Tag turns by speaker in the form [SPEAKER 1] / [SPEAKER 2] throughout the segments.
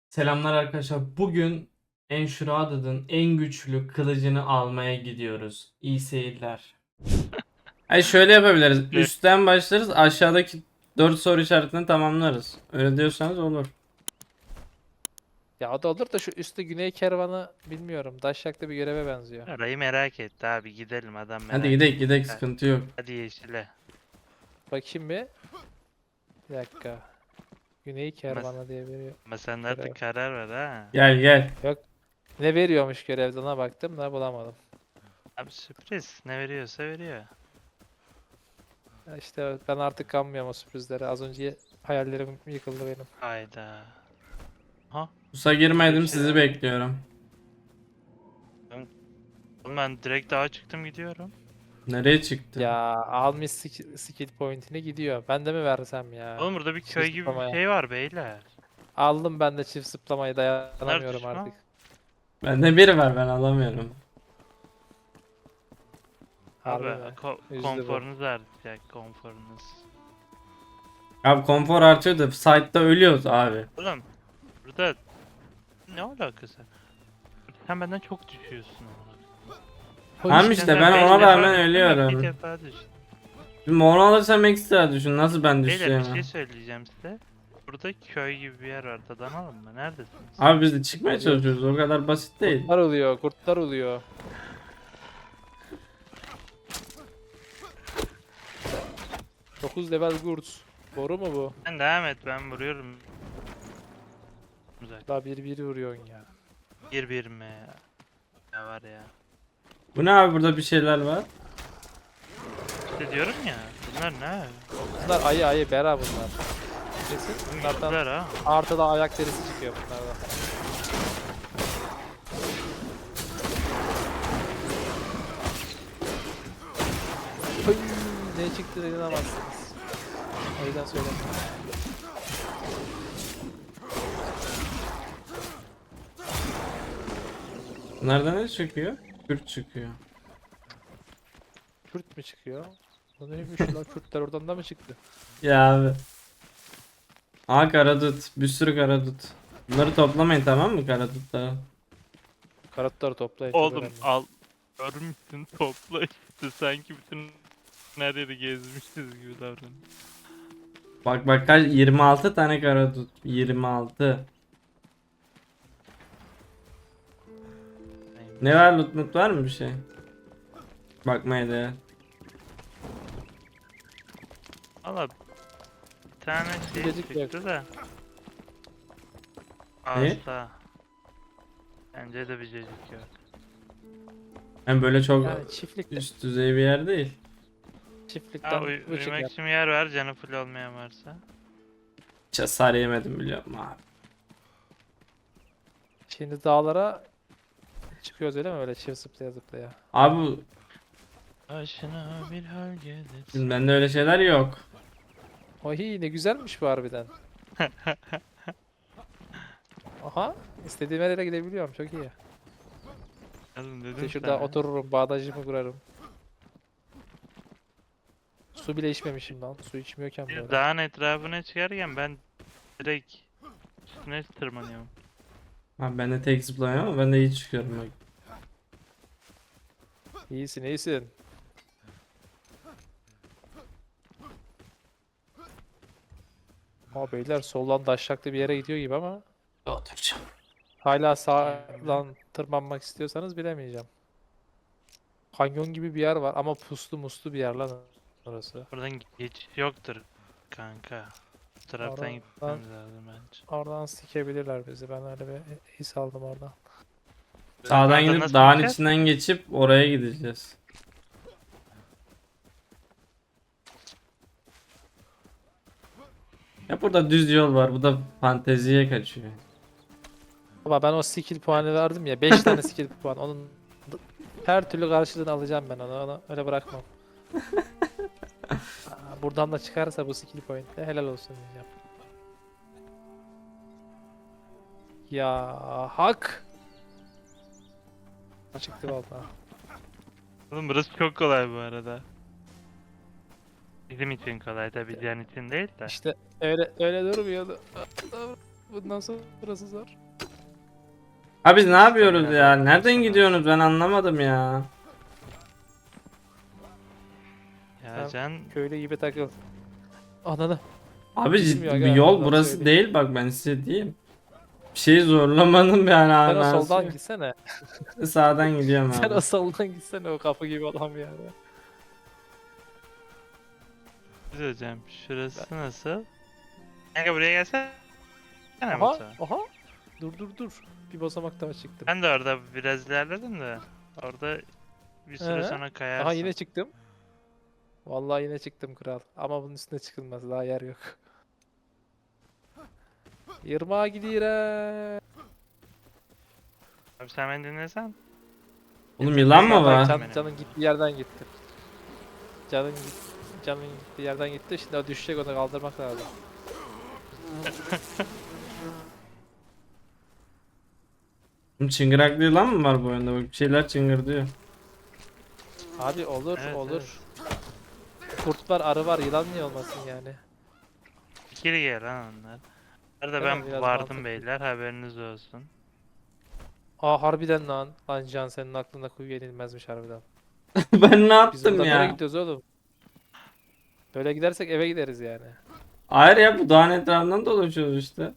[SPEAKER 1] Selamlar arkadaşlar. Bugün Enshrouded'ın en güçlü kılıcını almaya gidiyoruz. İyi seyirler. Ay şöyle yapabiliriz.
[SPEAKER 2] Evet.
[SPEAKER 1] Üstten başlarız. Aşağıdaki 4 soru işaretini tamamlarız. Öyle diyorsanız olur.
[SPEAKER 3] Ya o da olur da şu üstü güney kervanı bilmiyorum. Daşşak'ta bir göreve benziyor.
[SPEAKER 2] Orayı merak etti abi, gidelim, adam
[SPEAKER 1] Hadi
[SPEAKER 2] merak
[SPEAKER 1] gidelim
[SPEAKER 2] etti.
[SPEAKER 1] gidelim, sıkıntı yok.
[SPEAKER 2] Hadi yeşile.
[SPEAKER 3] Bakayım bir. Bir dakika. Güney
[SPEAKER 2] Mas
[SPEAKER 3] kervanı diye veriyor.
[SPEAKER 2] ama sen de
[SPEAKER 3] Görev.
[SPEAKER 2] artık karar ver ha.
[SPEAKER 1] Gel gel.
[SPEAKER 3] Yok. Ne veriyormuş görevde ona baktım da bulamadım.
[SPEAKER 2] Abi sürpriz, ne veriyorsa veriyor.
[SPEAKER 3] Ya İşte ben artık kanmıyorum o sürprizlere. Az önce hayallerim yıkıldı benim.
[SPEAKER 2] Hayda. Ha?
[SPEAKER 1] Pusa girmedim,
[SPEAKER 2] Bir şey
[SPEAKER 1] sizi
[SPEAKER 2] var.
[SPEAKER 1] bekliyorum.
[SPEAKER 2] Oğlum ben direkt dağa çıktım gidiyorum.
[SPEAKER 1] Nereye çıktı?
[SPEAKER 3] Ya almış skill point'ini gidiyor. Ben de mi versem ya?
[SPEAKER 2] Oğlum burada bir
[SPEAKER 3] Çift
[SPEAKER 2] köy gibi bir
[SPEAKER 3] zıplamaya.
[SPEAKER 2] şey var beyler.
[SPEAKER 3] Aldım ben de çift zıplamayı
[SPEAKER 2] Bunlar
[SPEAKER 3] dayanamıyorum
[SPEAKER 2] düşman.
[SPEAKER 3] artık.
[SPEAKER 1] Bende biri var, ben alamıyorum.
[SPEAKER 2] Abi
[SPEAKER 3] Harbi mi? Üzdü bu.
[SPEAKER 2] konforunuz artacak, konforunuz.
[SPEAKER 1] Abi konfor artıyor da site'da ölüyoruz abi.
[SPEAKER 2] Oğlum burada ne alakası? Sen benden çok düşüyorsun ama.
[SPEAKER 1] Tamam işte, ben ona rağmen
[SPEAKER 2] Bir
[SPEAKER 1] ölüyorum.
[SPEAKER 2] defa düştüm.
[SPEAKER 1] Şimdi onu alırsam ekstra düşün. Nasıl ben
[SPEAKER 2] Beyler
[SPEAKER 1] düşeceğim?
[SPEAKER 2] bir şey söyleyeceğim size. Burada köy gibi bir yer var. Dadanalım mı? Neredesiniz?
[SPEAKER 1] Abi biz de çıkmaya çalışıyoruz. O kadar basit değil.
[SPEAKER 3] Kurtlar oluyor, kurtlar oluyor. 9 level kurt. Doğru mu bu?
[SPEAKER 2] Sen devam et, ben vuruyorum. Güzel.
[SPEAKER 3] Daha bir vuruyorsun ya.
[SPEAKER 2] Bir mi ya? Ya var ya.
[SPEAKER 1] Bu ne abi, burada bir şeyler var.
[SPEAKER 2] İşte diyorum ya. Bunlar ne?
[SPEAKER 3] Bunlar ayı bera bunlar. Kesin bunlardan
[SPEAKER 2] Güçlüler ha.
[SPEAKER 3] artıda ayak derisi çıkıyor bunlardan. Hıy, ne çıktı inanamazsınız. O yüzden söylemiyorum.
[SPEAKER 1] Bunlardan ne çıkıyor? Kürt çıkıyor.
[SPEAKER 3] Kürt mü çıkıyor? Bu neymiş lan, Kürtler oradan da mı çıktı?
[SPEAKER 1] Ya abi. Aa, karadut. Bir sürü karadut. Bunları toplamayın, tamam mı, karadutları?
[SPEAKER 3] Karatları toplayın. çok
[SPEAKER 2] Oğlum
[SPEAKER 3] önemli.
[SPEAKER 2] al. Görmüşsün, topla işte. Sanki bütün her yeri gezmişiz gibi davran.
[SPEAKER 1] Bak bak, kaç, 26 tane karadut. 26. Ne var, loot var mı bir şey? Bakmaya değer.
[SPEAKER 2] Valla bir tane şey
[SPEAKER 3] Gecik yok.
[SPEAKER 2] çıktı da.
[SPEAKER 1] Ne?
[SPEAKER 2] Asla. Bence de bir cacık yok.
[SPEAKER 1] Hem böyle çok
[SPEAKER 3] Yani çiftlikte,
[SPEAKER 1] üst düzey bir yer değil.
[SPEAKER 3] çiftlikten
[SPEAKER 2] Ha,
[SPEAKER 3] bu
[SPEAKER 2] uyumak
[SPEAKER 3] çıkar.
[SPEAKER 2] için bir yer var, canı full olmayan varsa.
[SPEAKER 1] Hiç hasar yemedim, biliyorum abi.
[SPEAKER 3] Şimdi dağlara çıkıyoruz öyle mi? Öyle çift zıplaya zıplaya.
[SPEAKER 1] Abi
[SPEAKER 2] Başına bir hal gelir.
[SPEAKER 1] şimdi bende öyle şeyler yok.
[SPEAKER 3] Ohi ne güzelmiş bu harbiden. Aha, istediğim her yere gidebiliyorum, çok iyi.
[SPEAKER 2] Oğlum
[SPEAKER 3] İşte
[SPEAKER 2] dedim
[SPEAKER 3] şurada
[SPEAKER 2] sana.
[SPEAKER 3] otururum, bağdaşımı kurarım. Su bile içmemişim lan, su içmiyorken
[SPEAKER 2] Bir
[SPEAKER 3] böyle.
[SPEAKER 2] dağın etrafına çıkarken ben direkt üstüne tırmanıyorum.
[SPEAKER 1] Abi ben de tek zıplamıyorum ama ben de iyi çıkıyorum bak.
[SPEAKER 3] İyisin, iyisin. Ama beyler soldan daşşaklı bir yere gidiyor gibi ama
[SPEAKER 1] Oturacağım.
[SPEAKER 3] hala sağdan tırmanmak istiyorsanız bilemeyeceğim. Kanyon gibi bir yer var ama puslu muslu bir yer lan orası.
[SPEAKER 2] Buradan geçiş yoktur kanka. Bu taraftan
[SPEAKER 3] Oradan-
[SPEAKER 2] gitmemiz lazım bence.
[SPEAKER 3] Oradan sikebilirler bizi. Ben öyle bir his aldım oradan.
[SPEAKER 1] Sağdan
[SPEAKER 2] Oradan
[SPEAKER 1] gidip
[SPEAKER 2] nasıl
[SPEAKER 1] dağın
[SPEAKER 2] gideceğiz?
[SPEAKER 1] içinden geçip oraya gideceğiz. Ya burada düz yol var. Bu da fanteziye kaçıyor.
[SPEAKER 3] Ama ben o skill puanı verdim ya. 5 tane skill puan. Onun her türlü karşılığını alacağım ben onu öyle bırakmam. Buradan da çıkarsa bu skill point'te helal olsun diyeceğim. Ya hak. Çıktı vallahi.
[SPEAKER 2] Oğlum burası çok kolay bu arada. Bizim için kolay tabii, can için değil de.
[SPEAKER 3] İşte öyle durmuyordu. Bundan sonrası zor.
[SPEAKER 1] Abi biz ne yapıyoruz
[SPEAKER 2] Nereden
[SPEAKER 1] ya? Nereden
[SPEAKER 2] sana?
[SPEAKER 1] gidiyorsunuz? Ben anlamadım ya.
[SPEAKER 2] Ya
[SPEAKER 3] Sen
[SPEAKER 2] Can
[SPEAKER 3] köylü gibi takıl. Ananı.
[SPEAKER 1] Abi
[SPEAKER 3] Bilmiyor
[SPEAKER 1] ciddi
[SPEAKER 3] aga,
[SPEAKER 1] bir yol
[SPEAKER 3] ondan
[SPEAKER 1] burası
[SPEAKER 3] söyleyeyim.
[SPEAKER 1] değil bak ben size diyeyim. Bir şey zorlamadım yani
[SPEAKER 3] Sen o
[SPEAKER 1] anası
[SPEAKER 3] soldan
[SPEAKER 1] yok.
[SPEAKER 3] gitsene.
[SPEAKER 1] Sağdan gidiyorum
[SPEAKER 3] Sen
[SPEAKER 1] abi.
[SPEAKER 3] o soldan gitsene, o kapı gibi adam yani.
[SPEAKER 2] hocam şurası nasıl? Kanka buraya gelsene
[SPEAKER 3] Aha,
[SPEAKER 2] Batu.
[SPEAKER 3] aha. Dur. Bir basamak daha çıktım.
[SPEAKER 2] Ben de orada biraz ilerledim de orada bir süre
[SPEAKER 3] Ee?
[SPEAKER 2] sonra kayarsın.
[SPEAKER 3] Aha yine çıktım. Vallahi yine çıktım kral. Ama bunun üstüne çıkılmaz. Daha yer yok. Yırmağa gidiyor.
[SPEAKER 2] Abi sen beni dinlesen.
[SPEAKER 1] Oğlum yılan mı var?
[SPEAKER 3] Canın gittiği yerden gitti. Canın gittiği yerden gitti. Şimdi o düşecek, onu kaldırmak lazım.
[SPEAKER 1] Oğlum çıngıraklı yılan mı var bu oyunda? Bak bir şeyler çıngırdıyor.
[SPEAKER 3] Abi olur
[SPEAKER 2] Evet,
[SPEAKER 3] olur. Kurt var, arı var, yılan niye olmasın yani?
[SPEAKER 2] Fikir gel lan onlar. Arada
[SPEAKER 3] Değil mi?
[SPEAKER 2] ben
[SPEAKER 3] Biraz
[SPEAKER 2] vardım
[SPEAKER 3] mantıklı.
[SPEAKER 2] beyler, haberiniz olsun.
[SPEAKER 3] Aa harbiden lan. Lan Can, senin aklında kuyu yenilmezmiş harbiden.
[SPEAKER 1] Ben ne
[SPEAKER 3] Biz
[SPEAKER 1] yaptım
[SPEAKER 3] buradan nereye
[SPEAKER 1] ya?
[SPEAKER 3] gidiyoruz oğlum? Böyle gidersek eve gideriz yani.
[SPEAKER 1] Hayır ya bu dağın etrafından dolaşıyoruz işte.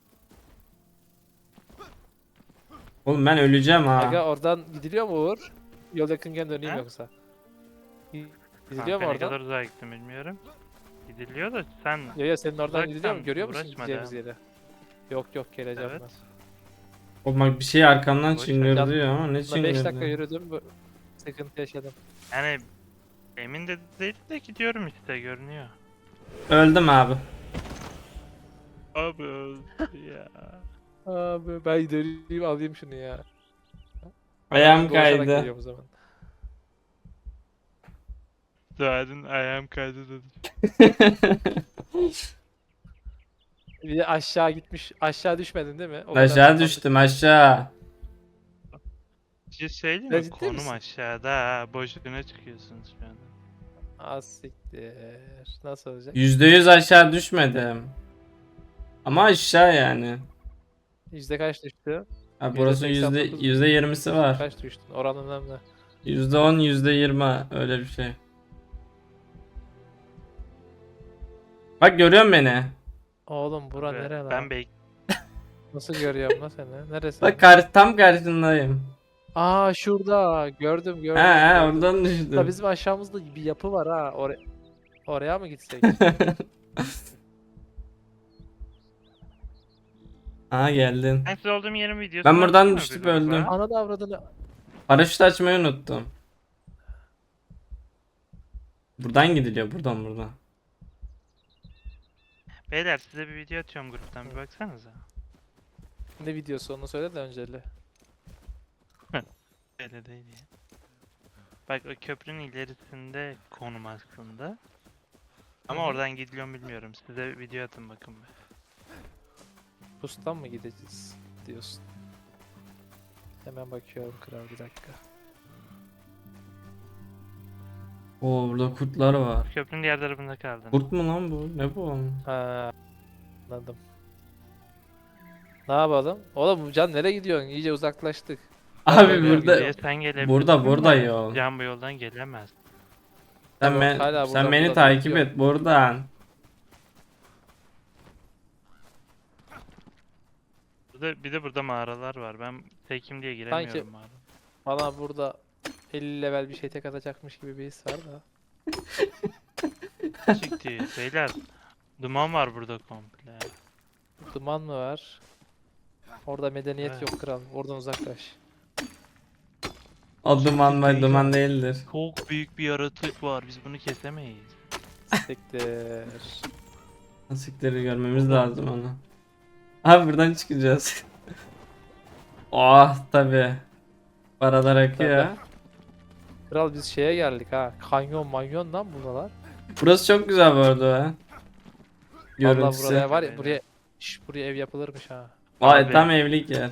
[SPEAKER 1] Oğlum ben öleceğim
[SPEAKER 3] Aga
[SPEAKER 1] ha.
[SPEAKER 3] oradan gidiliyor mu Uğur? Yol yakınken döneyim
[SPEAKER 2] He?
[SPEAKER 3] yoksa. Gidiliyor
[SPEAKER 2] Kanka
[SPEAKER 3] mu
[SPEAKER 2] ne
[SPEAKER 3] oradan?
[SPEAKER 2] kadar uzağa gittim bilmiyorum. Gidiliyor da sen
[SPEAKER 3] Yo senin oradan gidiliyor mu?
[SPEAKER 2] uzaktan
[SPEAKER 3] Görüyor musun
[SPEAKER 2] uğraşma
[SPEAKER 3] gideceğimiz
[SPEAKER 2] da.
[SPEAKER 3] yeri? Yok geleceğim
[SPEAKER 2] Evet.
[SPEAKER 3] ben.
[SPEAKER 1] Oğlum bak bir şey arkamdan
[SPEAKER 2] Boş ver.
[SPEAKER 1] çıngırdıyor ama ne
[SPEAKER 3] Buna 5 dakika
[SPEAKER 1] çıngırdı?
[SPEAKER 3] yürüdüm, bu sıkıntı yaşadım.
[SPEAKER 2] Yani emin de değil de gidiyorum işte görünüyor.
[SPEAKER 1] Öldüm abi.
[SPEAKER 2] Abi öldü ya.
[SPEAKER 3] Abi ben döneyim alayım şunu ya.
[SPEAKER 1] Ayağım
[SPEAKER 3] Dolaşarak
[SPEAKER 1] kaydı.
[SPEAKER 3] geliyorum o zaman.
[SPEAKER 2] Doğanın ayağım kaydı dedi.
[SPEAKER 3] Bir de aşağı gitmiş. Aşağı düşmedin değil mi? O kadar
[SPEAKER 1] Aşağı
[SPEAKER 3] tırmandık.
[SPEAKER 1] düştüm aşağı.
[SPEAKER 2] Bir şey söyleyeyim
[SPEAKER 3] Ya
[SPEAKER 2] mi?
[SPEAKER 3] ciddi
[SPEAKER 2] Konum
[SPEAKER 3] misin?
[SPEAKER 2] aşağıda ha. Boşuna çıkıyorsunuz şu anda.
[SPEAKER 3] Az siktir. Nasıl olacak?
[SPEAKER 1] %100 aşağı düşmedim. Ama aşağı yani.
[SPEAKER 3] Yüzde kaç düştü?
[SPEAKER 1] Ha, burası
[SPEAKER 3] %89
[SPEAKER 1] %20'si var.
[SPEAKER 3] Kaç düştün? Oran önemli.
[SPEAKER 1] %10, %20 öyle bir şey. Bak görüyor musun beni?
[SPEAKER 3] Oğlum bura
[SPEAKER 2] Ve
[SPEAKER 3] nere lan?
[SPEAKER 2] Ben bek
[SPEAKER 3] Nasıl görüyorum lan seni? Neresi?
[SPEAKER 1] Bak tam karşındayım.
[SPEAKER 3] Aa şurada. Gördüm.
[SPEAKER 1] He
[SPEAKER 3] gördüm.
[SPEAKER 1] oradan
[SPEAKER 3] Da
[SPEAKER 1] düştüm.
[SPEAKER 3] bizim aşağımızda bir yapı var ha. Oraya mı gitsek?
[SPEAKER 1] Aa geldin.
[SPEAKER 2] Ben siz olduğum yerin videosunu
[SPEAKER 1] Ben buradan
[SPEAKER 2] atayım mı
[SPEAKER 1] düştüm,
[SPEAKER 2] bir gruba?
[SPEAKER 1] öldüm.
[SPEAKER 3] Ana da avradını.
[SPEAKER 1] Paraşüt açmayı unuttum. Buradan gidiliyor buradan.
[SPEAKER 2] Beyler size bir video atıyorum gruptan bir baksanıza.
[SPEAKER 3] Ne videosu onu söyle de önceli.
[SPEAKER 2] Öyle değil ya. Bak o köprünün ilerisinde konum aslında. Ama
[SPEAKER 3] Hı hı.
[SPEAKER 2] oradan gidiliyor mu bilmiyorum. Size bir video atın bakın be.
[SPEAKER 3] Pustan mı gideceğiz diyorsun. Hemen bakıyorum kral, bir dakika.
[SPEAKER 1] Oo burada kurtlar var.
[SPEAKER 2] Köprünün diğer tarafında kaldın.
[SPEAKER 1] Kurt mu lan bu? Ne bu?
[SPEAKER 3] Ha, anladım. Ne yapalım? Oğlum bu Can nereye gidiyorsun? İyice uzaklaştık.
[SPEAKER 1] Abi
[SPEAKER 3] Böyle
[SPEAKER 1] burada
[SPEAKER 2] Buraya sen gelebilirsin
[SPEAKER 1] burada
[SPEAKER 2] de
[SPEAKER 1] yol.
[SPEAKER 2] Can bu yoldan gelemez.
[SPEAKER 1] Sen,
[SPEAKER 3] Tamam, hala
[SPEAKER 1] sen
[SPEAKER 3] buradan,
[SPEAKER 1] beni
[SPEAKER 3] buradan
[SPEAKER 1] takip
[SPEAKER 3] gidiyorum.
[SPEAKER 1] et buradan.
[SPEAKER 2] Bir de burada mağaralar var. Ben tekim diye giremiyorum mağara.
[SPEAKER 3] Bana burada 50 level bir şey tek atacakmış gibi bir his var da.
[SPEAKER 2] Çıktı. Beyler duman var burada komple.
[SPEAKER 3] Duman mı var? Orada medeniyet
[SPEAKER 2] Evet.
[SPEAKER 3] yok kral. Oradan uzaklaş.
[SPEAKER 1] O duman
[SPEAKER 2] değil
[SPEAKER 1] duman
[SPEAKER 2] ya.
[SPEAKER 1] değildir.
[SPEAKER 2] Çok büyük bir yaratık var. Biz bunu kesemeyiz.
[SPEAKER 3] Siktir.
[SPEAKER 1] Sikleri görmemiz lazım onu. Abi buradan çıkacağız. Oh tabi. Paralar akıyor.
[SPEAKER 3] Tabii. Kral biz şeye geldik ha. Kanyon manyon lan buralar.
[SPEAKER 1] Burası çok güzel bu arada ha.
[SPEAKER 3] Vallahi
[SPEAKER 1] Görüntüsü.
[SPEAKER 3] buraya var ya,
[SPEAKER 2] Aynen.
[SPEAKER 3] buraya ev yapılırmış ha.
[SPEAKER 1] Vay
[SPEAKER 2] Abi.
[SPEAKER 1] tam evlilik yer.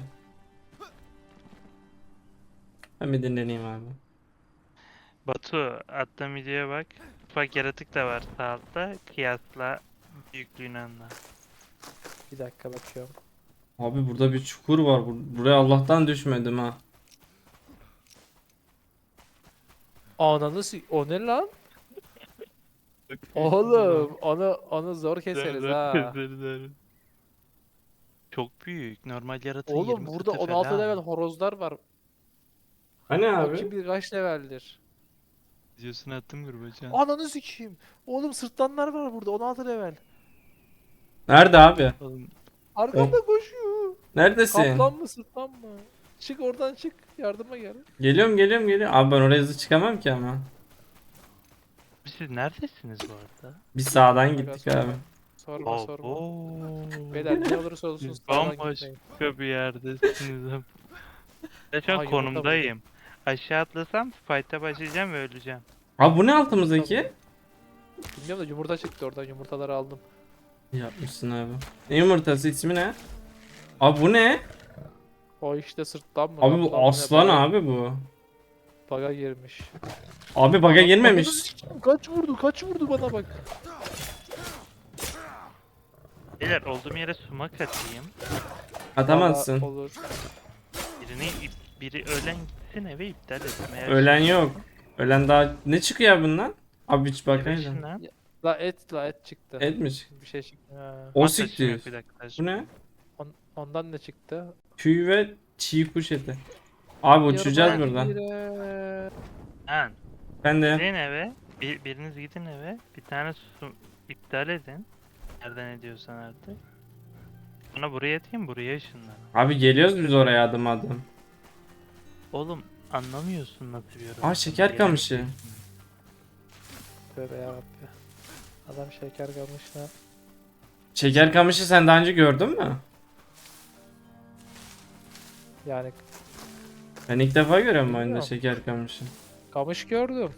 [SPEAKER 1] Ben bir dinleneyim abi.
[SPEAKER 2] Batu attığım videoya bak. Ufak yaratık da var sağ altta. Kıyasla büyüklüğünü anla.
[SPEAKER 3] Bir dakika bakıyorum.
[SPEAKER 1] Abi burada bir çukur var. Buraya Allah'tan düşmedim ha.
[SPEAKER 3] Ananı o ne lan? Oğlum onu zor keseriz ha.
[SPEAKER 2] Çok büyük. Normal yaratığın
[SPEAKER 3] Oğlum
[SPEAKER 2] 20
[SPEAKER 3] burada
[SPEAKER 2] katı
[SPEAKER 3] 16
[SPEAKER 2] falan.
[SPEAKER 3] level horozlar var.
[SPEAKER 1] Hani
[SPEAKER 3] O
[SPEAKER 1] abi?
[SPEAKER 3] kim bilir kaç leveldir.
[SPEAKER 2] Videosunu attım gruba can.
[SPEAKER 3] Ananı sikeyim. Oğlum sırtlanlar var burada 16 level.
[SPEAKER 1] Nerede abi?
[SPEAKER 2] Oğlum,
[SPEAKER 3] Arkanda koşuyor.
[SPEAKER 1] Neredesin?
[SPEAKER 3] Kaplan mı sırtlan mı? Çık oradan çık. Yardıma gel.
[SPEAKER 1] Geliyorum. Abi ben oraya hızlı çıkamam ki ama.
[SPEAKER 2] siz neredesiniz bu arada?
[SPEAKER 1] Bir sağdan
[SPEAKER 3] Aga,
[SPEAKER 1] gittik
[SPEAKER 3] sorma.
[SPEAKER 1] abi.
[SPEAKER 3] Sorma.
[SPEAKER 2] Abo.
[SPEAKER 3] Beyler ne olursa olsun sağdan
[SPEAKER 2] Bambaşka
[SPEAKER 3] gitmeyin.
[SPEAKER 2] bir yerdesiniz. Ben şu
[SPEAKER 3] Aha,
[SPEAKER 2] an
[SPEAKER 3] yumurta
[SPEAKER 2] konumdayım. Aşağı atlasam fight'a başlayacağım ve öleceğim.
[SPEAKER 1] Abi bu ne altımızdaki?
[SPEAKER 3] Bilmiyorum da yumurta çıktı oradan yumurtaları aldım.
[SPEAKER 1] Yapmışsın abi. Ne yumurtası ismi ne? Abi bu ne?
[SPEAKER 3] O işte sırtlan mı?
[SPEAKER 1] Abi
[SPEAKER 3] kaplan mı
[SPEAKER 1] bu
[SPEAKER 3] ne?
[SPEAKER 1] aslan
[SPEAKER 3] Baga-
[SPEAKER 1] abi bu.
[SPEAKER 3] Baga girmiş.
[SPEAKER 1] Abi baga
[SPEAKER 3] Ananı
[SPEAKER 1] girmemiş.
[SPEAKER 3] sikeyim, kaç vurdu bana bak.
[SPEAKER 2] Beyler olduğum yere sumak atayım.
[SPEAKER 1] Atamazsın.
[SPEAKER 3] Valla olur.
[SPEAKER 2] Biri ölen gitsin eve iptal etsin. Eğer
[SPEAKER 1] Ölen yok. Ölen daha ne çıkıyor bundan? Abi hiç
[SPEAKER 2] Evet,
[SPEAKER 1] bakayım.
[SPEAKER 2] lan.
[SPEAKER 3] La et çıktı.
[SPEAKER 1] Etmiş.
[SPEAKER 3] Bir şey çıktı. Ha.
[SPEAKER 1] O
[SPEAKER 2] At taşım
[SPEAKER 1] siktir.
[SPEAKER 2] yok, bir dakika,
[SPEAKER 1] Bu ne?
[SPEAKER 3] Ondan ne çıktı?
[SPEAKER 1] Tüy ve çiğ kuş eti. Abi uçacağız
[SPEAKER 3] Yarım
[SPEAKER 1] buradan.
[SPEAKER 3] bire.
[SPEAKER 2] Lan
[SPEAKER 1] Ben de.
[SPEAKER 2] gidin eve. Biriniz gidin eve. Bir tane su iptal edin. Nereden ediyorsan artık. Sonra buraya atayım, buraya ışınlan.
[SPEAKER 1] Abi geliyoruz biz oraya adım adım.
[SPEAKER 2] Oğlum anlamıyorsun nasıl bir yorum.
[SPEAKER 1] Aa, şeker kamışı.
[SPEAKER 2] Gelemiyorsun.
[SPEAKER 3] Tövbe yarabbi. Adam şeker kamışla.
[SPEAKER 1] Şeker kamışı sen daha önce gördün mü?
[SPEAKER 3] Yani
[SPEAKER 1] Ben ilk defa görüyorum bu oyunda
[SPEAKER 3] Bilmiyorum.
[SPEAKER 1] şeker kamışı.
[SPEAKER 3] kamış gördüm.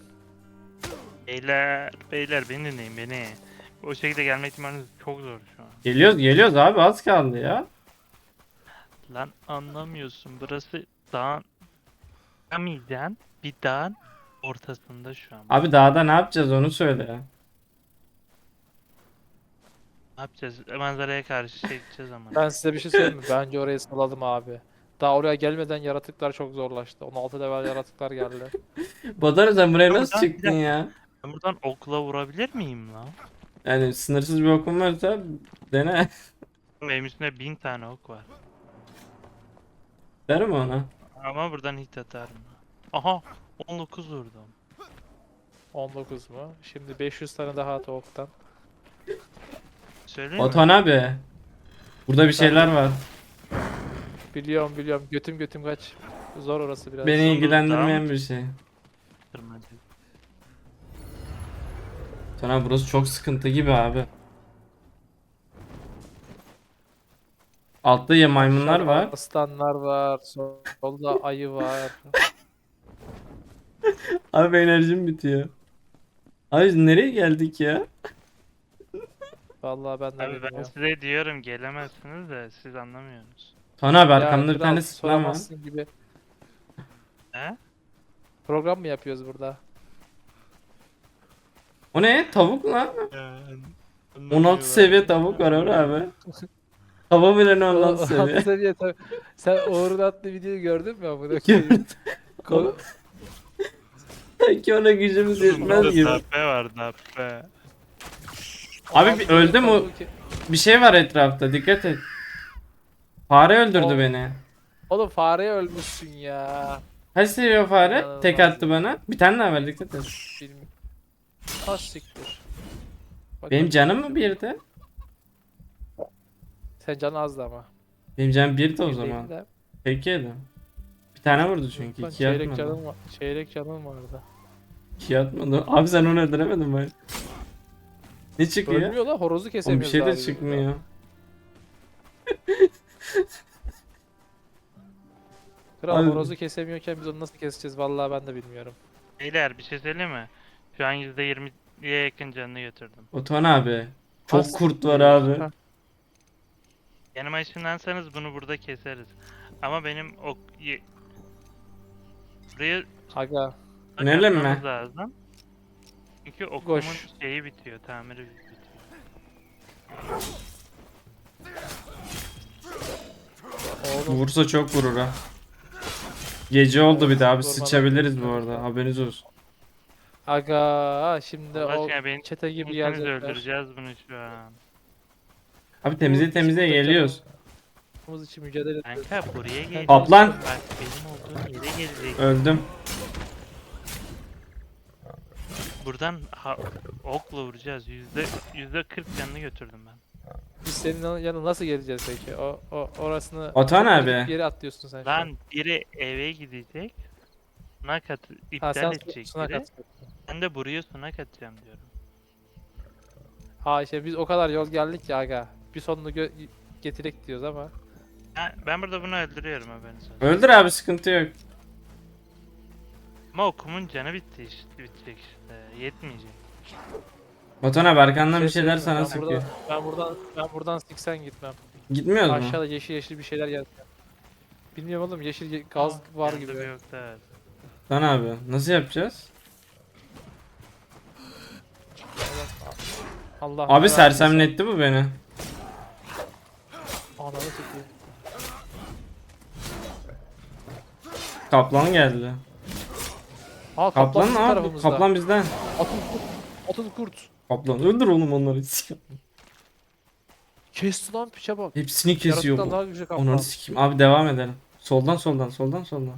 [SPEAKER 2] Beyler beni dinleyin beni. O şekilde gelme ihtimaliniz çok zor şu an.
[SPEAKER 1] Geliyoruz abi, az kaldı ya.
[SPEAKER 2] Lan anlamıyorsun, burası dağın çıkamayacağın bir dağın ortasında şu an.
[SPEAKER 1] Abi dağda ne yapacağız onu söyle ya.
[SPEAKER 2] Ne yapacağız? Manzaraya karşı çekeceğiz ama.
[SPEAKER 3] Ben size bir şey söyleyeyim mi? Bence orayı salalım abi. Daha oraya gelmeden yaratıklar çok zorlaştı. 16 level yaratıklar geldi.
[SPEAKER 1] Badarı sen buraya nasıl
[SPEAKER 2] Buradan
[SPEAKER 1] çıktın ya?
[SPEAKER 2] Ben buradan okla vurabilir miyim lan?
[SPEAKER 1] Yani sınırsız bir okum varsa dene.
[SPEAKER 2] Benim üstümde 1000 tane ok var.
[SPEAKER 1] Derim ona.
[SPEAKER 2] Ama buradan hit atarım. Aha 19 vurdum.
[SPEAKER 3] 19 mu? Şimdi 500 tane daha at oktan.
[SPEAKER 2] Söyleyeyim mi?
[SPEAKER 1] Batuhan abi. Burada bir şeyler var.
[SPEAKER 3] Biliyorum. Götüm kaç. Zor orası biraz.
[SPEAKER 1] Beni
[SPEAKER 2] Sonra
[SPEAKER 1] ilgilendirmeyen
[SPEAKER 2] daha-
[SPEAKER 1] bir şey.
[SPEAKER 2] Tırmanacak.
[SPEAKER 1] Batuhan abi burası çok sıkıntı gibi abi. Altta ya maymunlar
[SPEAKER 3] Aşağıda
[SPEAKER 1] var.
[SPEAKER 3] aslanlar var. Solda ayı var.
[SPEAKER 1] Abi enerjim bitiyor. Abi biz nereye geldik ya?
[SPEAKER 3] Vallahi ben de
[SPEAKER 2] Abi ben
[SPEAKER 3] bilmiyorum.
[SPEAKER 2] size diyorum gelemezsiniz de siz anlamıyorsunuz.
[SPEAKER 1] Batuhan abi
[SPEAKER 3] Ya
[SPEAKER 1] arkamda bir
[SPEAKER 3] kral,
[SPEAKER 1] tane sıkma var.
[SPEAKER 3] soramazsın gibi.
[SPEAKER 2] He?
[SPEAKER 3] Program mı yapıyoruz burada?
[SPEAKER 1] O ne? Tavuk lan. 16 seviye tavuk var orada abi. Tava bile ne 16 seviye.
[SPEAKER 3] Altı seviye tabii. Sen Uğur'un attığı videoyu gördün mü amına
[SPEAKER 1] Gördüm.
[SPEAKER 3] koyayım? Ko-
[SPEAKER 1] Sanki ona gücümüz yetmez gibi.
[SPEAKER 2] Darbe var darbe.
[SPEAKER 1] Abi bir öldüm o. Bir şey var etrafta, dikkat et. Fare öldürdü
[SPEAKER 3] O-
[SPEAKER 1] beni.
[SPEAKER 3] Oğlum fareye ölmüşsün ya.
[SPEAKER 1] Kaç seviye fare?
[SPEAKER 3] İnanılmaz
[SPEAKER 1] Tek attı bana. Bir tane daha ver, dikkat et.
[SPEAKER 3] Bilmiyorum. Az siktir. Bak
[SPEAKER 1] Benim
[SPEAKER 3] bak.
[SPEAKER 1] canım mı birdi?
[SPEAKER 3] Sen canı azdı ama.
[SPEAKER 1] Benim canım birdi o
[SPEAKER 3] Bir değil
[SPEAKER 1] zaman.
[SPEAKER 3] de.
[SPEAKER 1] Peki yedim. Bir tane vurdu çünkü.
[SPEAKER 3] Lan
[SPEAKER 1] İki
[SPEAKER 3] çeyrek
[SPEAKER 1] atmadı.
[SPEAKER 3] canım var. Çeyrek canım vardı.
[SPEAKER 1] İki atmadı. Abi sen onu öldüremedin bari. Ne çıkıyor?
[SPEAKER 3] Ölmüyor lan horozu
[SPEAKER 1] Oğlum bir
[SPEAKER 3] kesemiyoruz
[SPEAKER 1] şey de
[SPEAKER 3] abi biz
[SPEAKER 1] çıkmıyor.
[SPEAKER 3] Kral
[SPEAKER 1] Abi-
[SPEAKER 3] horozu kesemiyorken biz onu nasıl keseceğiz vallahi ben de bilmiyorum.
[SPEAKER 2] Beyler bir şey söyleyeyim mi? Şu an %20'ye yakın canını götürdüm.
[SPEAKER 1] Batuhan abi. Çok
[SPEAKER 3] Az
[SPEAKER 1] kurt var
[SPEAKER 3] siktir.
[SPEAKER 1] abi.
[SPEAKER 3] Ha,
[SPEAKER 2] Yanıma ışınlansanız bunu burada keseriz. Ama benim buraya
[SPEAKER 3] Aga
[SPEAKER 1] Önerelim
[SPEAKER 2] atmamız
[SPEAKER 1] mi?
[SPEAKER 2] lazım. Çünkü okumun
[SPEAKER 3] Koş.
[SPEAKER 2] şeyi bitiyor, tamiri bitiyor.
[SPEAKER 3] Oğlum
[SPEAKER 1] Vursa çok vurur ha. Gece oldu bir daha abi,
[SPEAKER 3] Vurmadan
[SPEAKER 1] sıçabiliriz bu
[SPEAKER 3] vurmadan.
[SPEAKER 1] arada, haberiniz olsun.
[SPEAKER 3] aga şimdi
[SPEAKER 2] Allah
[SPEAKER 3] o
[SPEAKER 2] aşkına beni
[SPEAKER 3] çete gibi
[SPEAKER 2] ikimiz
[SPEAKER 3] gelecekler.
[SPEAKER 2] öldüreceğiz bunu şu an.
[SPEAKER 1] Abi temizliğe
[SPEAKER 3] Bu
[SPEAKER 1] temizliğe
[SPEAKER 3] bizim
[SPEAKER 1] geliyoruz.
[SPEAKER 3] canımız için mücadele ediyoruz.
[SPEAKER 2] Kanka buraya gel.
[SPEAKER 1] Kaplan.
[SPEAKER 2] Bak benim olduğum yere gelecek.
[SPEAKER 1] Öldüm.
[SPEAKER 2] Buradan okla vuracağız. %40 canını götürdüm ben.
[SPEAKER 3] Biz senin yanına nasıl geleceğiz peki? Orasını
[SPEAKER 1] Atan
[SPEAKER 3] çok
[SPEAKER 1] abi.
[SPEAKER 3] kritik bir yere atlıyorsun sen şu an.
[SPEAKER 2] Lan biri eve gidecek. Sunak
[SPEAKER 3] Ha
[SPEAKER 2] iptal
[SPEAKER 3] sen
[SPEAKER 2] edecek
[SPEAKER 3] sunak
[SPEAKER 2] biri.
[SPEAKER 3] at.
[SPEAKER 2] Ben de buraya sunak atacağım diyorum.
[SPEAKER 3] Ha işte biz o kadar yol geldik ya aga. Bir sonunu getirek diyoruz ama.
[SPEAKER 2] Ben burada bunu öldürüyorum haberiniz olsun.
[SPEAKER 1] Öldür abi, sıkıntı yok.
[SPEAKER 2] Ama okumun canı bitti işte, bitecek işte. Yetmeyecek.
[SPEAKER 1] Batuhan abi arkandan bir
[SPEAKER 3] Şey
[SPEAKER 1] şeyler
[SPEAKER 3] söyleyeyim mi?
[SPEAKER 1] sana sıkıyor.
[SPEAKER 3] Ben buradan siksen gitmem.
[SPEAKER 1] Gitmiyoruz mu?
[SPEAKER 3] Aşağıda yeşil yeşil bir şeyler geldi. Bilmiyorum oğlum yeşil gaz var
[SPEAKER 2] Yanında
[SPEAKER 3] gibi.
[SPEAKER 2] bir yok da evet.
[SPEAKER 1] Lan abi nasıl yapacağız?
[SPEAKER 3] Allah
[SPEAKER 1] Abi
[SPEAKER 3] ne
[SPEAKER 1] sersemletti bu beni.
[SPEAKER 3] verdiyse. Ananı sikeyim.
[SPEAKER 1] Kaplan geldi.
[SPEAKER 3] Aa
[SPEAKER 1] Kaplan
[SPEAKER 3] kaplan bizim
[SPEAKER 1] abi,
[SPEAKER 3] tarafımızda.
[SPEAKER 1] kaplan bizden.
[SPEAKER 3] Atıl kurt. Atıl kurt.
[SPEAKER 1] Kaplan öldür oğlum onları.
[SPEAKER 3] Kesti lan piçe bak.
[SPEAKER 1] Hepsini kesiyor
[SPEAKER 3] Yaratıktan
[SPEAKER 1] bu.
[SPEAKER 3] daha güçlü kaplan.
[SPEAKER 1] Onları sikeyim. Abi devam edelim. Soldan soldan soldan soldan.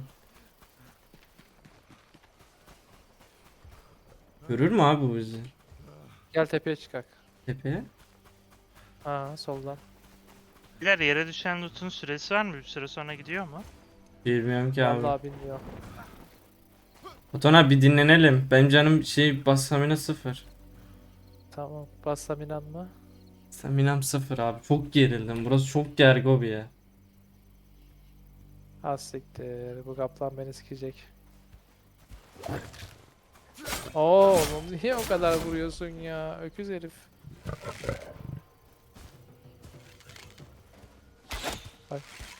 [SPEAKER 1] Görür mü abi bu bizi?
[SPEAKER 3] Gel tepeye çıkak.
[SPEAKER 1] Tepeye.
[SPEAKER 3] Ha soldan.
[SPEAKER 2] Biler yere düşen loot'un süresi var mı? Bir süre sonra gidiyor mu?
[SPEAKER 1] Bilmiyorum ki abi.
[SPEAKER 3] Vallahi bilmiyorum.
[SPEAKER 1] Batuhan abi bir dinlenelim. Benim canım basamina 0.
[SPEAKER 3] Tamam. Bassam inanma.
[SPEAKER 1] Staminam 0 abi. Çok gerildim. Burası çok gergo bir yer.
[SPEAKER 3] Az siktir. Bu kaplan beni sikecek. Oğlum niye o kadar vuruyorsun ya? Öküz herif. Bak.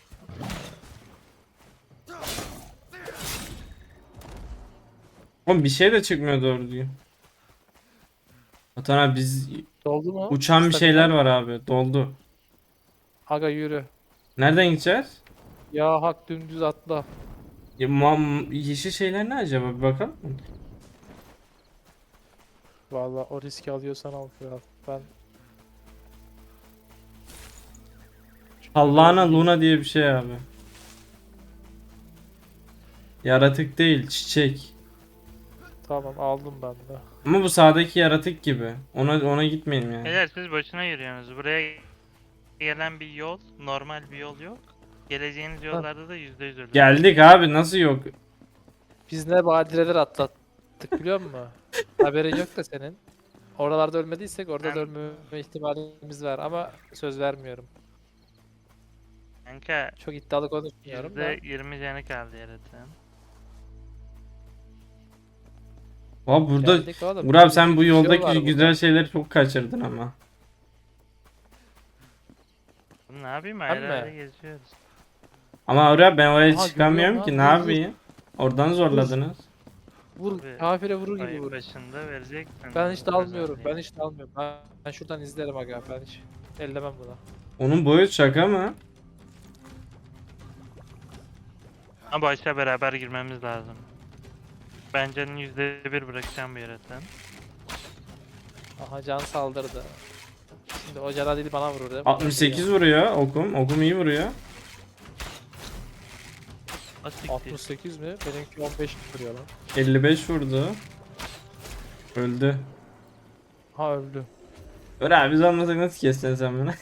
[SPEAKER 1] Oğlum bir şey de çıkmıyor doğru düzgün. Batuhan abi biz
[SPEAKER 3] Doldu mu?
[SPEAKER 1] uçan bir
[SPEAKER 3] Stamina.
[SPEAKER 1] şeyler var abi. Doldu.
[SPEAKER 3] Aga yürü.
[SPEAKER 1] Nereden gideceğiz?
[SPEAKER 3] Ya hak dümdüz atla.
[SPEAKER 1] Ya, yeşil şeyler ne acaba? Bir bakalım mı?
[SPEAKER 3] Vallahi o riski alıyorsan al kral. Ben
[SPEAKER 1] Hallana Luna diye bir şey abi. Yaratık değil, çiçek.
[SPEAKER 3] tamam aldım ben de.
[SPEAKER 1] Ama bu sağdaki yaratık gibi. Ona gitmeyelim yani.
[SPEAKER 2] Beyler siz boşuna yürüyorsunuz. Buraya gelen bir yol, normal bir yol yok. Geleceğiniz yollarda da %100 ölür.
[SPEAKER 1] Geldik abi, nasıl yok?
[SPEAKER 3] Biz ne badireler atlattık biliyor musun? Haberin yok da senin. Oralarda ölmediysek orada da
[SPEAKER 2] Ben-
[SPEAKER 3] ölmeme ihtimalimiz var ama söz vermiyorum.
[SPEAKER 2] Kanka
[SPEAKER 3] Çok iddialı konuşmuyorum da.
[SPEAKER 2] %20 canı kaldı yaratığın.
[SPEAKER 1] Abi burada
[SPEAKER 3] Geldik oğlum.
[SPEAKER 1] Burak sen bu
[SPEAKER 3] Bir şey var
[SPEAKER 1] yoldaki
[SPEAKER 3] burada.
[SPEAKER 1] güzel şeyleri çok kaçırdın ama.
[SPEAKER 2] Oğlum ne yapayım
[SPEAKER 3] Ben
[SPEAKER 2] ayrı
[SPEAKER 3] mi?
[SPEAKER 2] ayrı geziyoruz.
[SPEAKER 1] Ama oraya ben oraya
[SPEAKER 3] Aha,
[SPEAKER 1] çıkamıyorum
[SPEAKER 3] görüyorum
[SPEAKER 1] ki,
[SPEAKER 3] lan,
[SPEAKER 1] ne
[SPEAKER 3] vur, vur.
[SPEAKER 1] yapayım? Oradan zorladınız.
[SPEAKER 3] Vur.
[SPEAKER 2] Abi,
[SPEAKER 3] Kafire vurur gibi
[SPEAKER 2] Ayın
[SPEAKER 3] vur.
[SPEAKER 2] başında verecektin.
[SPEAKER 3] Ben hiç dalmıyorum.
[SPEAKER 2] özelliği.
[SPEAKER 3] Ben hiç dalmıyorum. Ben şuradan izlerim aga. Ben hiç ellemem buna.
[SPEAKER 1] Onun boyu şaka mı?
[SPEAKER 2] Ama başta beraber girmemiz lazım. Bence %1 bırakacağım bu yaratığın.
[SPEAKER 3] Aha can saldırdı. Şimdi o cana değil bana vurur değil mi?
[SPEAKER 1] 68 vuruyor okum. Okum iyi vuruyor.
[SPEAKER 2] Asiktir.
[SPEAKER 3] 68 mi? Benimki 15 vuruyor lan.
[SPEAKER 1] 55 vurdu. Öldü.
[SPEAKER 3] Ha öldü.
[SPEAKER 1] Öyle abi, biz olmasak nasıl keseceksin sen bunu?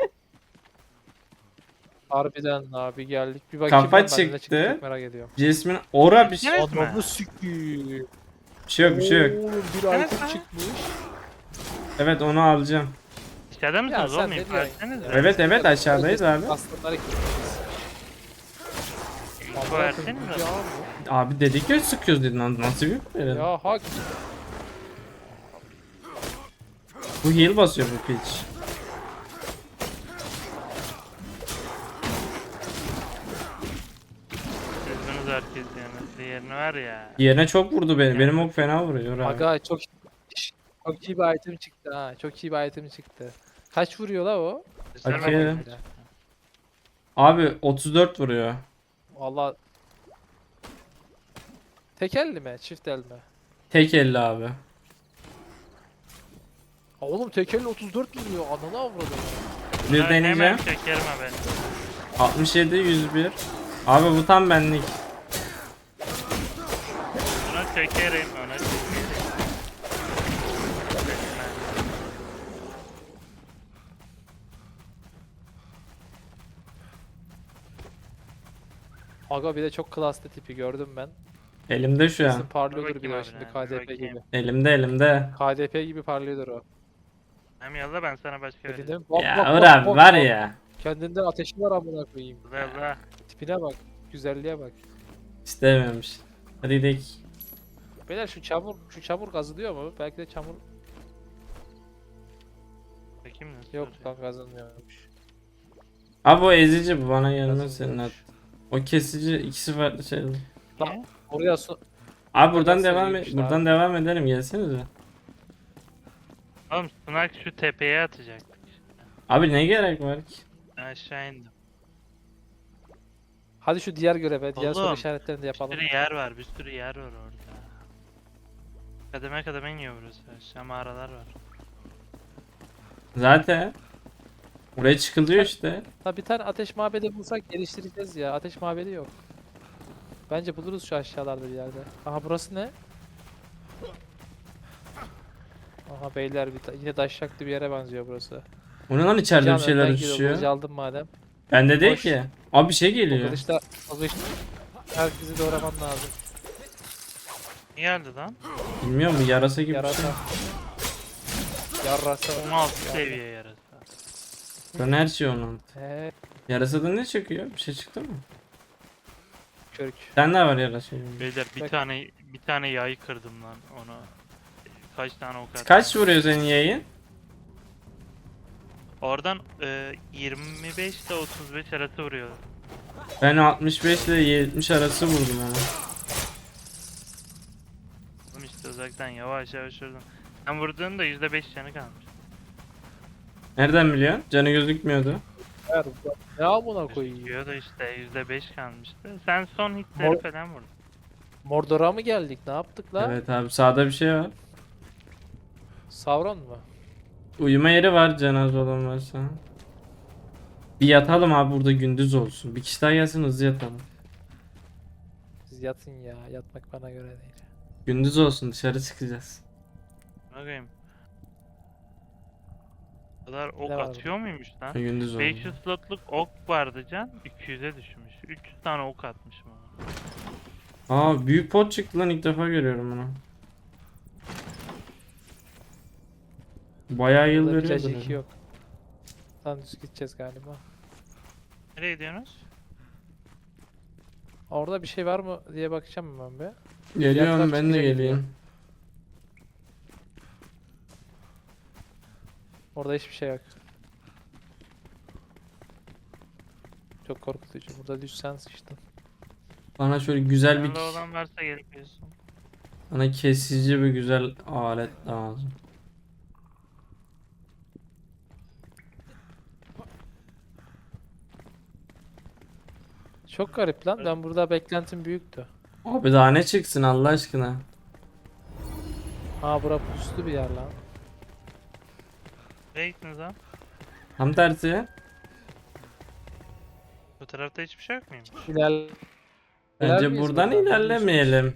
[SPEAKER 3] Harbiden abi geldik. Bir bakayım
[SPEAKER 1] Kafa
[SPEAKER 3] ben de ne
[SPEAKER 1] çıktı.
[SPEAKER 3] çıkacak merak ediyorum.
[SPEAKER 1] Jasmine ora bir şey.
[SPEAKER 2] Evet mi?
[SPEAKER 3] Adamı sikiyim.
[SPEAKER 1] Bir şey yok, bir şey yok.
[SPEAKER 3] Oğlum bir
[SPEAKER 2] Evet
[SPEAKER 3] item
[SPEAKER 2] mi?
[SPEAKER 3] çıkmış.
[SPEAKER 1] Evet, onu alacağım.
[SPEAKER 2] İçeride
[SPEAKER 3] Ya
[SPEAKER 2] misiniz
[SPEAKER 3] sen
[SPEAKER 2] oğlum?
[SPEAKER 3] ne
[SPEAKER 2] İnfo
[SPEAKER 3] diyorsun?
[SPEAKER 2] etsenize.
[SPEAKER 1] Evet evet, aşağıdayız abi.
[SPEAKER 3] Aslanları kilitlemişiz.
[SPEAKER 2] İnfo versenize.
[SPEAKER 3] Ya,
[SPEAKER 1] Abi dedik ya sıkıyoruz dedin, nasıl bir verelim?
[SPEAKER 3] ya hak.
[SPEAKER 1] Bu heal basıyor bu pitch.
[SPEAKER 2] Üzgünüz herkes yani. Diğerini var ya.
[SPEAKER 1] Yerine çok vurdu beni. Benim ok fena vuruyor abi.
[SPEAKER 3] Aga çok iyi bir item çıktı ha. Çok iyi bir item çıktı. Kaç vuruyor la o?
[SPEAKER 1] Bakayım. Abi 34 vuruyor.
[SPEAKER 3] Valla tek elli mi? Çift el mi?
[SPEAKER 1] Tek elli abi.
[SPEAKER 3] Ha oğlum tek elle 34 vuruyor. Ananı avradım.
[SPEAKER 1] Bir
[SPEAKER 2] Hemen
[SPEAKER 1] deneyeceğim.
[SPEAKER 2] çekerim ha ben.
[SPEAKER 1] 67 101. Abi bu tam benlik.
[SPEAKER 2] Ona çekerim. Ona çekerim.
[SPEAKER 3] Aga bir de çok klaslı tipi gördüm ben.
[SPEAKER 1] Elimde şu
[SPEAKER 3] Kesin
[SPEAKER 1] an.
[SPEAKER 3] parlıyordur bir
[SPEAKER 2] bakayım
[SPEAKER 3] de
[SPEAKER 2] abi,
[SPEAKER 3] şimdi
[SPEAKER 2] bir
[SPEAKER 3] KDP
[SPEAKER 2] bakayım.
[SPEAKER 3] gibi.
[SPEAKER 1] Elimde.
[SPEAKER 3] KDP gibi parlıyordur o.
[SPEAKER 2] Hem yalla ben sana başka vereyim.
[SPEAKER 3] Elinde bak
[SPEAKER 1] Ya
[SPEAKER 3] bak
[SPEAKER 1] Uğur
[SPEAKER 3] bak
[SPEAKER 1] abi
[SPEAKER 3] bak
[SPEAKER 1] var
[SPEAKER 3] bak.
[SPEAKER 1] ya.
[SPEAKER 3] Kendinden ateşi var amına koyayım.
[SPEAKER 2] Yalla.
[SPEAKER 3] Tipine bak. Güzelliğe bak.
[SPEAKER 1] İstememiş. Hadi gidelim.
[SPEAKER 3] Beyler şu çamur kazılıyor mu? Belki de çamur
[SPEAKER 2] Bakayım nasıl
[SPEAKER 3] yok
[SPEAKER 2] oluyor.
[SPEAKER 3] lan kazılmıyormuş.
[SPEAKER 1] Abi o ezici bu bana gelmez senin
[SPEAKER 3] Kazılmıyormuş.
[SPEAKER 1] at. O kesici ikisi farklı şey.
[SPEAKER 2] Niye?
[SPEAKER 3] Oraya su
[SPEAKER 1] Abi buradan
[SPEAKER 3] Nasıl
[SPEAKER 1] devam
[SPEAKER 3] iyiymiş
[SPEAKER 1] buradan
[SPEAKER 3] abi.
[SPEAKER 1] devam edelim gelsenize.
[SPEAKER 2] Oğlum Sunak şu tepeye atacaktık.
[SPEAKER 1] Abi ne gerek var ki?
[SPEAKER 2] Aşağı indim.
[SPEAKER 3] Hadi şu diğer göreve, diğer soru
[SPEAKER 2] Oğlum,
[SPEAKER 3] işaretlerini de
[SPEAKER 2] Bir
[SPEAKER 3] yapalım.
[SPEAKER 2] sürü yer var, bir sürü yer var orada. Kademe kademe iniyor burası. Aşağı mağaralar var.
[SPEAKER 1] Zaten buraya çıkılıyor işte.
[SPEAKER 3] Ha bir tane ateş mabedi bulsak geliştireceğiz ya. Ateş mabedi yok. Bence buluruz şu aşağılarda bir yerde. Aha burası ne? Aha beyler yine taşacaklı bir yere benziyor burası.
[SPEAKER 1] O ne lan içeride
[SPEAKER 3] Can
[SPEAKER 1] bir şeyler
[SPEAKER 3] önden gidiyor, kılıcı
[SPEAKER 1] uçuşuyor.
[SPEAKER 3] aldım madem.
[SPEAKER 1] Bende değil
[SPEAKER 3] Boş.
[SPEAKER 1] ki. Abi bir şey
[SPEAKER 3] O
[SPEAKER 1] geliyor.
[SPEAKER 3] kılıçla herkesi doğraman lazım.
[SPEAKER 2] Ne geldi lan?
[SPEAKER 1] Bilmiyorum bu yarasa gibi bir şey.
[SPEAKER 3] Yarasa. Yarasa.
[SPEAKER 2] 16 seviye yarası.
[SPEAKER 1] Ben her şey onun.
[SPEAKER 3] He,
[SPEAKER 1] Yarasada ne çıkıyor? Bir şey çıktı mı?
[SPEAKER 3] körük.
[SPEAKER 1] Sen ne var yarasa?
[SPEAKER 2] Beyler bir
[SPEAKER 3] Bak.
[SPEAKER 2] tane yay kırdım lan ona. Kaç tane ok attım.
[SPEAKER 1] Kaç vuruyor senin yayın?
[SPEAKER 2] Oradan 25 ile 35 arası vuruyor.
[SPEAKER 1] Ben 65 ile 70 arası vurdum ama.
[SPEAKER 2] Oğlum işte uzaktan yavaş yavaş vurdum. Ben vurduğumda %5 canı kalmış.
[SPEAKER 1] Nereden biliyorsun? Canı gözükmüyordu.
[SPEAKER 3] Ver, ne amına koyayım?
[SPEAKER 2] Gözüküyor da işte %5 kalmıştı. Sen son hitleri
[SPEAKER 3] Mor-
[SPEAKER 2] falan vurdun.
[SPEAKER 3] Mordor'a mı geldik? Ne yaptık la?
[SPEAKER 1] Evet abi sağda bir şey var.
[SPEAKER 3] Sauron mu?
[SPEAKER 1] Uyuma yeri var cenaze olan varsa. Bir yatalım abi burada gündüz olsun. Bir kişi daha gelsin hızlı yatalım.
[SPEAKER 3] Siz yatın ya. Yatmak bana göre değil.
[SPEAKER 1] Gündüz olsun dışarı çıkacağız.
[SPEAKER 2] Bakayım. Bu kadar ok
[SPEAKER 3] Ne var
[SPEAKER 2] atıyor muymuş lan?
[SPEAKER 1] Gündüz olsun.
[SPEAKER 2] 500 slotluk ok vardı can. 200'e düşmüş. 300 tane ok atmışım ona.
[SPEAKER 1] Aa büyük pot çıktı lan ilk defa görüyorum bunu. Bayağı yıl
[SPEAKER 3] Burada
[SPEAKER 1] veriyordur.
[SPEAKER 3] plaj
[SPEAKER 1] yani.
[SPEAKER 3] yok. Lan düz gideceğiz galiba.
[SPEAKER 2] Nereye gidiyorsunuz?
[SPEAKER 3] Orada bir şey var mı diye bakacağım ben be.
[SPEAKER 1] Geliyorum
[SPEAKER 3] taraf
[SPEAKER 1] ben de
[SPEAKER 3] çıkacak
[SPEAKER 1] geleyim.
[SPEAKER 3] Orada hiçbir şey yok. Çok korkutucu. Burada düşsen sıçtın.
[SPEAKER 1] Bana şöyle güzel bir
[SPEAKER 2] Yanında olan varsa gelip yiyorsun.
[SPEAKER 1] bana kesici bir güzel alet lazım.
[SPEAKER 3] Çok garip lan. Ben burada beklentim büyüktü.
[SPEAKER 1] Abi daha ne çıksın Allah aşkına.
[SPEAKER 3] Ha bura puslu bir yer lan.
[SPEAKER 2] Nereye gittiniz lan?
[SPEAKER 1] Tam tersi.
[SPEAKER 2] Bu tarafta hiçbir şey yok muymuş?
[SPEAKER 3] İlerler
[SPEAKER 1] Bence
[SPEAKER 3] miyiz
[SPEAKER 1] buradan
[SPEAKER 3] buradan?
[SPEAKER 1] ilerlemeyelim.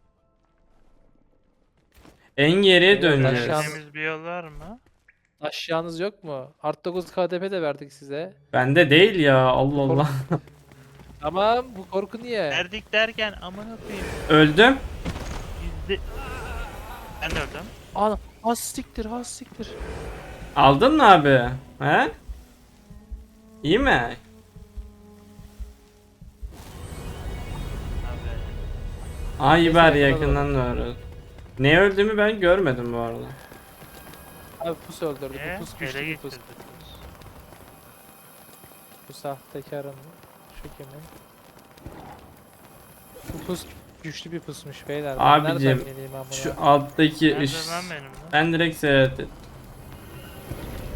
[SPEAKER 1] En geriye
[SPEAKER 3] Evet,
[SPEAKER 1] döneceğiz.
[SPEAKER 3] aşağı-
[SPEAKER 2] Temiz bir yol var mı?
[SPEAKER 3] Aşağınız yok mu? Art 9 KDP de verdik size.
[SPEAKER 1] Bende değil ya Allah Allah.
[SPEAKER 3] Tamam bu korku niye?
[SPEAKER 2] Verdik derken amına koyayım.
[SPEAKER 1] Öldüm.
[SPEAKER 2] Yüzde... Ben de öldüm.
[SPEAKER 3] Ana has siktir has siktir.
[SPEAKER 1] Aldın mı abi? He? İyi mi?
[SPEAKER 2] Abi.
[SPEAKER 1] Ay
[SPEAKER 3] Neyse,
[SPEAKER 1] bari
[SPEAKER 3] yakaladım.
[SPEAKER 1] yakından doğru. Ne öldüğümü ben görmedim bu arada.
[SPEAKER 3] Abi pus öldürdü. Bu pus güçlü
[SPEAKER 2] Ele
[SPEAKER 3] bir pus.
[SPEAKER 2] getirdik.
[SPEAKER 3] Bu sahtekarın şu kimin? Bu pus güçlü bir pusmuş beyler. Ben
[SPEAKER 1] Abicim,
[SPEAKER 3] nereden bileyim amına?
[SPEAKER 1] Şu alttaki
[SPEAKER 2] Nerede
[SPEAKER 1] ış...
[SPEAKER 2] lan benim lan?
[SPEAKER 1] Ben direkt seyrettim.